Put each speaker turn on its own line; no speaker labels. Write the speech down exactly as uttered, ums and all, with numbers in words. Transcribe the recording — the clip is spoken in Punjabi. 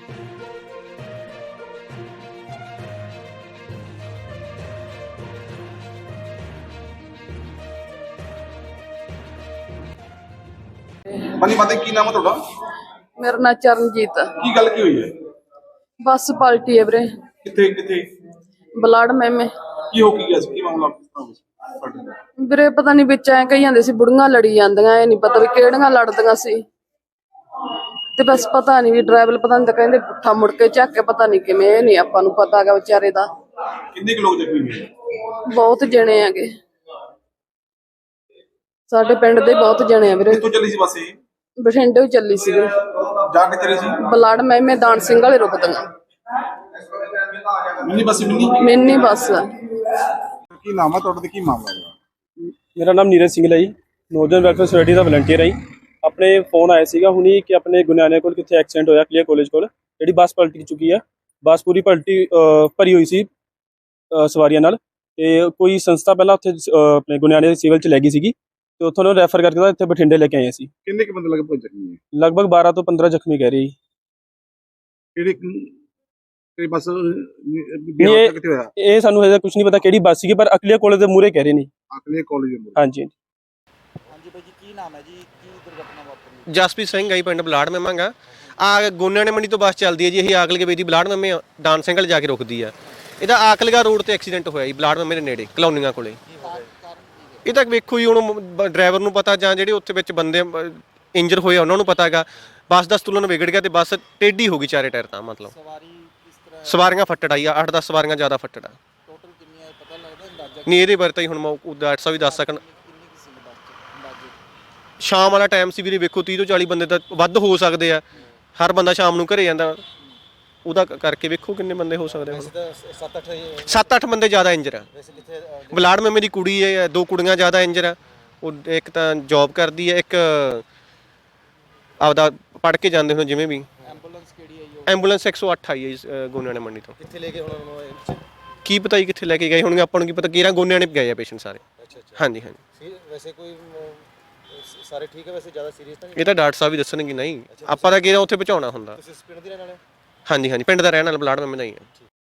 ਮਨੀ ਮਾਤਾ ਕੀ ਨਾਮ ਹੈ ਤੁਹਾਡਾ?
ਮੇਰਾ ਨਾਂ ਚਰਨਜੀਤ ਆ।
ਕੀ ਗੱਲ ਕੀ ਹੋਈ ਹੈ?
ਬੱਸ ਪਲਟੀ ਹੈ ਵੀਰੇ।
ਕਿੱਥੇ ਕਿੱਥੇ?
ਬਲਾੜ ਮੈਮੇ।
ਕੀ ਹੋ ਕੀ ਗਿਆ ਸੀ? ਕੀ ਮਾਮਲਾ ਤੁਹਾਡੇ?
ਵੀਰੇ ਪਤਾ ਨਹੀਂ ਵਿੱਚ ਐ ਕਹੀ ਜਾਂਦੇ ਸੀ ਬੁੜੀਆਂ ਲੜੀ ਜਾਂਦੀਆਂ, ਇਹ ਨਹੀਂ ਪਤਾ ਵੀ ਕਿਹੜੀਆਂ ਲੜਦੀਆਂ ਸੀ ਤੇ ਬਸ ਪਤਾ ਨਹੀਂ ਵੀ ਡਰਾਈਵਰ ਪਤਾ ਨਹੀਂ ਤਾਂ ਕਹਿੰਦੇ ਪੁੱਠਾ ਮੁੜ ਕੇ ਚੱਕ ਕੇ ਪਤਾ ਨਹੀਂ ਕਿਵੇਂ, ਇਹ ਨਹੀਂ ਆਪਾਂ ਨੂੰ ਪਤਾ ਹੈਗਾ ਵਿਚਾਰੇ ਦਾ।
ਕਿੰਨੇ ਕੁ ਲੋਕ ਜ਼ਖਮੀ ਹੋਏ?
ਬਹੁਤ ਜਣੇ ਹੈਗੇ ਸਾਡੇ ਪਿੰਡ ਦੇ, ਬਹੁਤ ਜਣੇ ਆ ਵੀਰੇ।
ਕਿੱਥੋਂ ਚੱਲੀ ਸੀ ਬੱਸ ਇਹ?
ਬਠਿੰਡੇ ਚੱਲੀ ਸੀ ਵੀਰੇ।
ਜਾ ਕੇ ਚੱਲੀ ਸੀ?
ਬਲਾੜ ਮੈਮੇ ਦਾਨ ਸਿੰਘ ਵਾਲੇ ਰੁਕਦੀਆਂ।
Mini bus? Mini
mini bus.
ਕੀ ਨਾਮ ਹੈ ਤੁਹਾਡਾ ਤੇ ਕੀ ਮਾਮਲਾ ਹੈ?
ਮੇਰਾ ਨਾਮ ਨੀਰਜ ਸਿੰਘ ਹੈ ਜੀ, ਨੌਜਵਾਨ ਵੈਲਫੇਅਰ ਸੋਸਾਇਟੀ ਦਾ ਵਲੰਟੀਅਰ ਹੈ ਜੀ। ਆਪਣੇ ਫੋਨ ਆਇਆ ਸੀਗਾ ਹੁਣੀ ਕਿ ਆਪਣੇ ਗੁਨਿਆਣੇ ਕੋਲ ਕਿੱਥੇ ਐਕਸੀਡੈਂਟ ਹੋਇਆ, ਕਲੀਅਰ ਕਾਲਜ ਕੋਲ, ਜਿਹੜੀ ਬੱਸ ਪਲਟ ਚੁੱਕੀ ਹੈ। ਬੱਸ ਪੂਰੀ ਪਲਟੀ ਭਰੀ ਹੋਈ ਸੀ ਸਵਾਰੀਆਂ ਨਾਲ, ਤੇ ਕੋਈ ਸੰਸਥਾ ਪਹਿਲਾਂ ਉੱਥੇ ਆਪਣੇ ਗੁਨਿਆਣੇ ਦੇ ਸਿਵਲ 'ਚ ਲੈ ਗਈ ਸੀਗੀ, ਤੇ ਉੱਥੋਂ ਨੂੰ ਰੈਫਰ ਕਰਕੇ ਇੱਥੇ ਬਠਿੰਡੇ ਲੈ ਕੇ ਆਏ ਸੀ।
ਕਿੰਨੇ ਕੁ ਬੰਦੇ ਲਗਭਗ ਜ਼ਖਮੀ ਹੈ?
ਲਗਭਗ ਬਾਰਾਂ ਤੋਂ ਪੰਦਰਾਂ ਜ਼ਖਮੀ ਕਹਿ ਰਹੇ ਜੀ।
ਕਿਹੜੀ ਕਿਹੜੀ ਬੱਸ
ਇਹ
ਕਿੱਥੇ ਹੋਇਆ?
ਇਹ ਸਾਨੂੰ ਹਜੇ ਕੁਝ ਨਹੀਂ ਪਤਾ ਕਿਹੜੀ ਬੱਸ ਸੀਗੀ, ਪਰ ਅਕਲੀਆ ਕਾਲਜ ਦੇ ਮੂਹਰੇ ਕਹਿ ਰਹੇ ਨੇ।
ਅਕਲੀਆ ਕਾਲਜ ਦੇ ਮੂਹਰੇ?
ਹਾਂਜੀ
ਹਾਂਜੀ ਭਾਈ ਜੀ, ਕੀ ਨਾਮ ਹੈ ਜੀ? ਕੀ ਦੁਰਘਟਨਾ ਵਾਪਰੀ?
ਜਸਪ੍ਰੀਤ ਸਿੰਘ ਹੈ ਜੀ, ਪਿੰਡ ਬਲਾੜ ਮੈਮਾਂਗਾ। ਆ ਗੋਨਿਆਣੇ ਮੰਡੀ ਤੋਂ ਬੱਸ ਚੱਲਦੀ ਹੈ ਜੀ, ਇਹ ਆਕਲਗੇ ਵੇਦੀ ਬਲਾੜ ਮੈਮੇ ਡਾਨ ਸਿੰਘ ਵਾਲ ਜਾ ਕੇ ਰੁਕਦੀ ਆ। ਇਹਦਾ ਆਕਲਗਾ ਰੋਡ ਤੇ ਐਕਸੀਡੈਂਟ ਹੋਇਆ ਜੀ, ਬਲਾੜ ਮੈਮੇ ਦੇ ਨੇੜੇ ਕਲੋਨੀਆਂ ਕੋਲੇ। ਇਹ ਤਾਂ ਵੇਖੋ ਜੀ, ਹੁਣ ਡਰਾਈਵਰ ਨੂੰ ਪਤਾ ਜਾਂ ਜਿਹੜੇ ਉੱਥੇ ਵਿੱਚ ਬੰਦੇ ਇੰਜਰ ਹੋਏ ਉਹਨਾਂ ਨੂੰ ਪਤਾ ਹੈਗਾ। ਬੱਸ ਦਾ ਸੰਤੁਲਨ ਵਿਗੜ ਗਿਆ ਤੇ ਬੱਸ ਟੇਢੀ ਹੋ ਗਈ ਚਾਰੇ ਟਾਇਰ ਤਾਂ, ਮਤਲਬ ਸਵਾਰੀਆਂ ਫੱਟੜ ਆਈ ਆ, ਅੱਠ ਦਸ ਸਵਾਰੀਆਂ ਜ਼ਿਆਦਾ ਫੱਟੜ ਆ।
ਟੋਟਲ ਕਿੰਨੀਆਂ ਪਤਾ ਲੱਗਦਾ ਅੰਦਾਜ਼ਾ?
ਨਹੀਂ, ਇਹਦੇ ਬਾਰੇ ਤਾਂ ਹੁਣ ਮੈਂ ਡਾਕਟਰ ਸਾਹਿਬ ਵੀ ਦੱਸ ਸਕਣ। ਸ਼ਾਮ ਵਾਲਾ ਟਾਈਮ ਸੀ ਵੀਰੇ, ਵੇਖੋ ਤੀਹ ਤੋਂ ਚਾਲੀ ਬੰਦੇ ਤਾਂ ਵੱਧ ਹੋ ਸਕਦੇ ਆ। ਹਰ ਬੰਦਾ ਸ਼ਾਮ ਨੂੰ ਘਰੇ ਜਾਂਦਾ, ਉਹਦਾ ਕਰਕੇ ਵੇਖੋ ਕਿੰਨੇ ਬੰਦੇ ਹੋ ਸਕਦੇ। ਸੱਤ ਅੱਠ ਬੰਦੇ ਜ਼ਿਆਦਾ ਇੰਜਰ ਆ। ਬਲਾੜ ਮੈਮੇ ਦੀ ਕੁੜੀ ਹੈ, ਦੋ ਕੁੜੀਆਂ ਜ਼ਿਆਦਾ ਇੰਜਰ ਆ। ਉਹ ਇੱਕ ਤਾਂ ਜੌਬ ਕਰਦੀ ਹੈ, ਇੱਕ ਆਪਦਾ ਪੜ੍ਹ ਕੇ ਜਾਂਦੇ ਹੁਣ ਜਿਵੇਂ ਵੀ।
ਐਂਬੂਲੈਂਸ ਕਿਹੜੀ ਹੈ ਜੀ?
ਐਂਬੂਲੈਂਸ ਇੱਕ ਸੌ ਅੱਠ ਆਈ ਹੈ ਗੋਨਿਆਣੇ ਮੰਡੀ ਤੋਂ।
ਕਿੱਥੇ ਲੈ ਕੇ ਹੁਣ ਉਹਨੂੰ?
ਕੀ ਪਤਾ ਜੀ ਕਿੱਥੇ ਲੈ ਕੇ ਗਏ ਹੋਣਗੇ, ਆਪਾਂ ਨੂੰ ਕੀ ਪਤਾ। ਕਿਹੜਾ ਗੋਨਿਆਣੇ ਗਏ ਆ ਪੇਸ਼ੈਂਟ ਸਾਰੇ।
ਅੱਛਾ ਅੱਛਾ।
ਹਾਂਜੀ ਹਾਂਜੀ।
ਵੈਸੇ ਕੋਈ ਸਾਰੇ ਠੀਕ ਹੈ? ਵੈਸੇ ਜ਼ਿਆਦਾ ਸੀਰੀਅਸ ਤਾਂ ਨਹੀਂ?
ਇਹ ਤਾਂ ਡਾਕਟਰ ਸਾਹਿਬ ਵੀ ਦੱਸਣਗੇ। ਨਹੀਂ, ਆਪਾਂ ਤਾਂ ਕਿਹੜਾ ਉੱਥੇ ਪਹੁੰਚਾਉਣਾ ਹੁੰਦਾ।
ਤੁਸੀਂ ਪਿੰਡ ਦੇ ਰਹਿਣ ਵਾਲੇ?
ਹਾਂਜੀ ਹਾਂਜੀ, ਪਿੰਡ ਦਾ ਰਹਿਣ ਵਾਲਾ ਬਲਾੜ ਮੈਮੇ ਦਾ ਹੀ ਹੈ।